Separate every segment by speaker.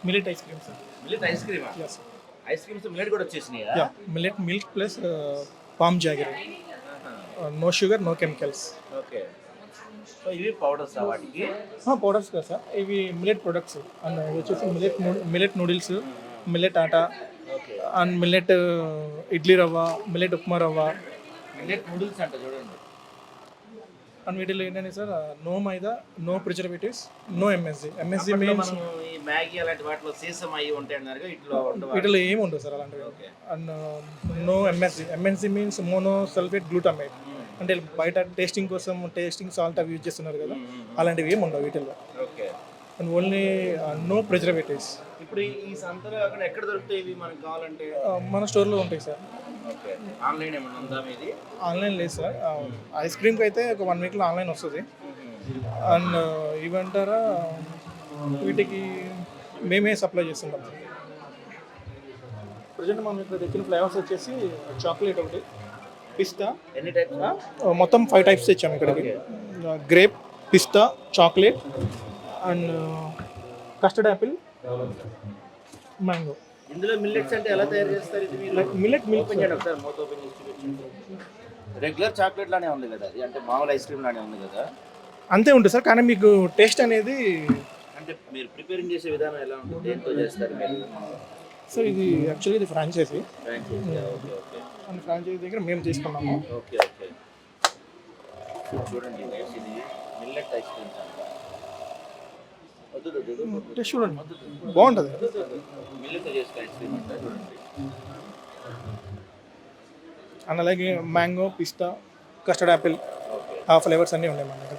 Speaker 1: Millet ice cream sir.
Speaker 2: Millet ice క్రీమా?
Speaker 1: Yes sir.
Speaker 2: Ice creams millet కూడా వచ్చేసినాయా?
Speaker 1: Yeah, millet milk plus palm jaggery. No sugar, no chemicals.
Speaker 2: Okay. So ఇవి powders వాటికి?
Speaker 1: Powders కదా sir, ఇవి millet products. And ఇవి వచ్చేసి millet noodles, millet atta,
Speaker 2: okay.
Speaker 1: And millet idli rava, millet upma రవ్వ.
Speaker 2: మిల్లెట్ నూడిల్స్ అంట చూడండి.
Speaker 1: అండ్ వీటిలో ఏంటంటే sir, no maida, no preservatives, no MSG. MSG
Speaker 2: అప్పట్లో
Speaker 1: మీన్స్
Speaker 2: మనం ఈ మ్యాగీ అలాంటి వాటిలో సీసం అయ్యి ఉంటాయి అన్నారు, ఇట్లా ఉండవు.
Speaker 1: వీటిలో ఏమి ఉండవు సార్ అలాంటివి.
Speaker 2: Okay.
Speaker 1: And no MSG. MSG means mono sulphate glutamate. అంటే బయట టేస్టింగ్ కోసం టేస్టింగ్ సాల్ట్ అవి యూజ్ చేస్తున్నారు కదా, అలాంటివి ఏమి ఉండవు వీటిల్లో.
Speaker 2: Okay.
Speaker 1: And only no preservatives.
Speaker 2: ఇప్పుడు ఈ సంతలో అక్కడ ఎక్కడ దొరుకుతాయి ఇవి మనకు కావాలంటే?
Speaker 1: మన స్టోర్లో ఉంటాయి సార్.
Speaker 2: ఓకే. ఆన్లైన్ ఏమైనా ఉందా మీది?
Speaker 1: ఆన్లైన్ లేదు సార్. ఐస్ క్రీమ్కి అయితే ఒక 1 వీక్లో ఆన్లైన్ వస్తుంది. అండ్ ఇవంటారా వీటికి మేమే సప్లై చేస్తుంటాం. ప్రజెంట్ మనం ఇక్కడ తెచ్చిన ఫ్లేవర్స్ వచ్చేసి చాక్లెట్ ఒకటి, పిస్తా.
Speaker 2: ఎన్ని టైప్స్?
Speaker 1: మొత్తం 5 టైప్స్ తెచ్చాము ఇక్కడికి. గ్రేప్, పిస్తా, chocolate and custard apple, mango.
Speaker 2: ఇందులో మిల్లెట్స్ అంటే ఎలా తయారు చేస్తారు ఇది మీరు?
Speaker 1: Millet milk.
Speaker 2: ఓపెన్ చేయండి ఒకసారి, మూత ఓపెన్ చేసి చూపించండి. రెగ్యులర్ చాక్లెట్ లానే ఉంది కదా అది, అంటే మామూలు ఐస్ క్రీమ్ లానే ఉంది కదా?
Speaker 1: అంతే ఉంటుంది సార్, కానీ మీకు టేస్ట్ అనేది.
Speaker 2: అంటే మీరు ప్రిపేరింగ్ చేసే విధానం ఎలా ఉంటుంది, దేంతో చేస్తారు మీరు?
Speaker 1: సార్ ఇది యాక్చువల్లీ ఇది franchise.
Speaker 2: Franchise. Okay okay.
Speaker 1: And franchise దగ్గర మేము తీసుకున్నాము.
Speaker 2: Okay okay. చూడండి guys, ఇది మిల్లెట్ ఐస్ క్రీమ్స్ అంట.
Speaker 1: టేస్ట్ చూడండి, బాగుంటుంది.
Speaker 2: మిల్లెట్ చేసే ఐస్ క్రీమ్ అంట చూడండి.
Speaker 1: అండ్ అలాగే మ్యాంగో, పిస్తా, కస్టర్డ్ యాపిల్, ఆ ఫ్లేవర్స్ అన్నీ ఉన్నాయి మన దగ్గర.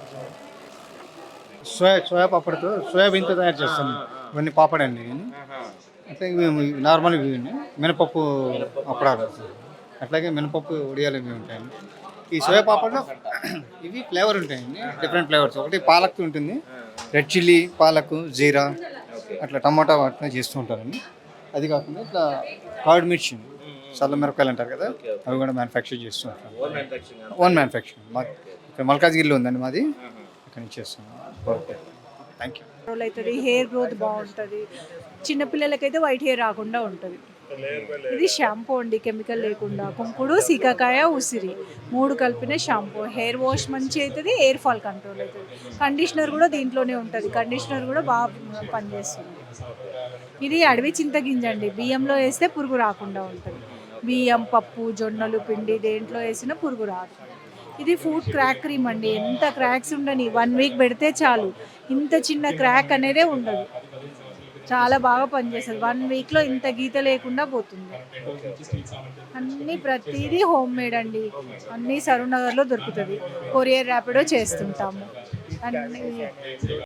Speaker 3: సోయా పాపడ్తో సోయాబీన్తో తయారు చేస్తాం. ఇవన్నీ పాపడ్ అండి. అట్లా ఇవి నార్మల్ ఇవి మినపప్పు అప్పడాలు, అట్లాగే మినపప్పు ఉడియాలు ఇవి ఉంటాయండి. ఈ సోయా పాపడ్లో ఇవి ఫ్లేవర్ ఉంటాయండి, డిఫరెంట్ ఫ్లేవర్స్. ఒకటి పాలక్ ఉంటుంది, రెడ్ చిల్లీ, పాలకు, జీరా, అట్లా టమాటా వాటిని చేస్తూ ఉంటారండి. అది కాకుండా ఇట్లా కర్డ్ మిర్చి, చల్ల మిరపకాయలు అంటారు కదా, అవి కూడా మ్యానుఫ్యాక్చర్ చేస్తూ ఉంటారు. Own manufacturing. మాకు ఇక్కడ మల్కాజ్గిరిలో ఉందండి మాది, ఇక్కడ నుంచి చేస్తున్నాం. Okay, thank you.
Speaker 4: అవుతుంది, హెయిర్ గ్రోత్ బాగుంటుంది. చిన్నపిల్లలకైతే వైట్ హెయిర్ రాకుండా ఉంటుంది. ఇది షాంపూ అండి, కెమికల్ లేకుండా. కుంకుడు, సీకాకాయ, ఉసిరి 3 కలిపిన షాంపూ. హెయిర్ వాష్ మంచి అవుతుంది, హెయిర్ ఫాల్ కంట్రోల్ అవుతుంది. కండిషనర్ కూడా దీంట్లోనే ఉంటుంది, కండిషనర్ కూడా బాగా పనిచేస్తుంది. ఇది అడవి చింతగింజ అండి, బియ్యంలో వేస్తే పురుగు రాకుండా ఉంటుంది. బియ్యం, పప్పు, జొన్నలు, పిండి దేంట్లో వేసినా పురుగు రాదు. ఇది ఫుడ్ క్రాక్ క్రీమ్ అండి, ఎంత క్రాక్స్ ఉండని 1 వీక్ పెడితే చాలు, ఇంత చిన్న క్రాక్ అనేదే ఉండదు. చాలా బాగా పనిచేస్తుంది. 1 వీక్లో ఇంత గీత లేకుండా పోతుంది. అన్నీ ప్రతిదీ హోమ్ మేడ్ అండి, అన్నీ సరూర్ నగర్లో దొరుకుతుంది. కొరియర్ ర్యాపిడో చేస్తుంటాము అన్నీ.